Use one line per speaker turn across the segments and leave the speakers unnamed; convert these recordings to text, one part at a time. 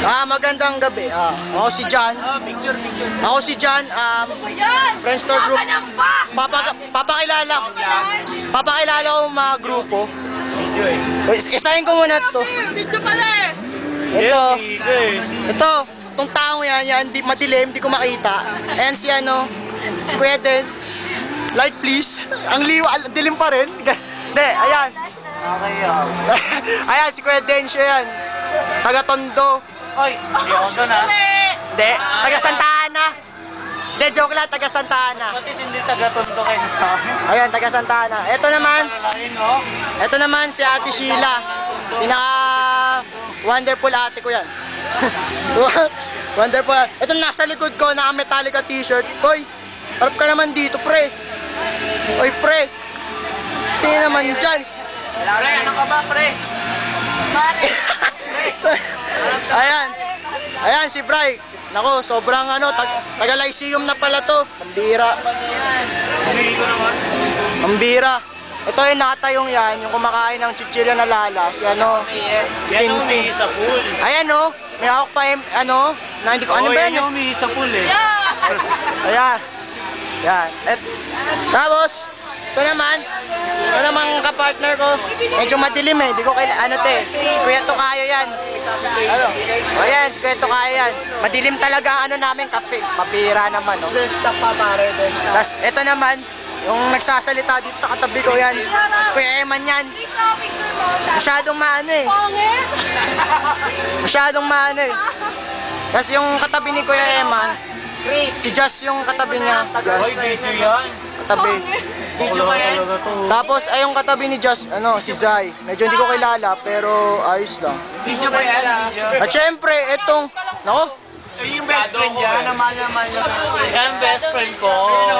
Magandang gabi. Ako si John. Ako si John, Friends Store Group. Papakilala ko mga grupo. Isahin ko muna ito. Itong taong yan, di madilim, di ko makita. Ayan si si Kuya Den. Light please. Ang dilim pa rin. Hindi, ayan. Ayan, si Kuya Den siya yan. Taga Tondo.
Oy, hindi Tondo na.
Hindi, taga Santa Ana. Hindi, joke lang, taga Santa Ana.
Pati hindi taga Tondo kayo sa amin.
Ayan, taga Santa Ana. Ito naman si Ate Sheila. Pinaka-wonderful ate ko yan. Wonderful. Ito nasa likod ko, naka-Metallica t-shirt. Hoy, harap ka naman dito, pre. Hoy, pre. Tingnan naman dyan.
Pre, ano ka ba, pre?
Ayan. Ayan, si Bray. Nako, sobrang taga Lyceum na pala to. Pambira. Pambira. Ito yung nakatayong yan, yung kumakain ng chichirya na lala, si si Tintin.
Sa pool.
Ayan may hawak pa yung na hindi ko, ba yan?
May sa pool eh.
Ayan. Yan. Tapos, ito naman kapartner ko, medyo madilim eh, di ko si Kuya Tokayo yan. Ayan, si Kuya Tokayo yan. Madilim talaga ang namin, kape. Papira naman, Desktop pa pare, desktop. Tapos, ito naman, yung nagsasalita dito sa katabi ko yan, si Kuya Eman yan. Masyadong Masyadong Tapos yung katabi ni Kuya Eman, si Just yung katabi niya. Si Just.
Oy, video yan.
Katabi.
Video ba yan?
Tapos ay yung katabi ni Just, si Zai. Medyo hindi ko kilala pero ayos lang.
Video ba yan?
At syempre, itong,
Yung best friend yan, naman niya. Yan, best friend ko.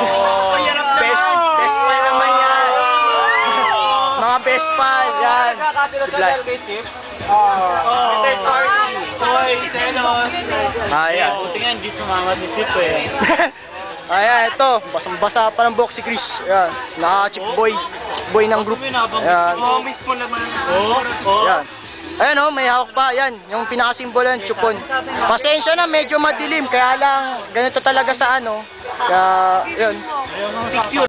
best pal naman yan. Mga best pal, yan. Si Vlad.
Third party. Hoy, selos.
Ayan.
Buti nga, hindi sumama si Sip eh.
Ayan, ito. Basang-basa pa ng buhok si Chris. Ayan. Naka-chick boy. Chick boy ng group. Ayan.
Mismo naman.
Ayan. Ayan may hawak pa. Ayan, yung pinakasimbolo yan, chupon. Pasensya na, medyo madilim. Kaya lang, ganito talaga sa Kaya, yun.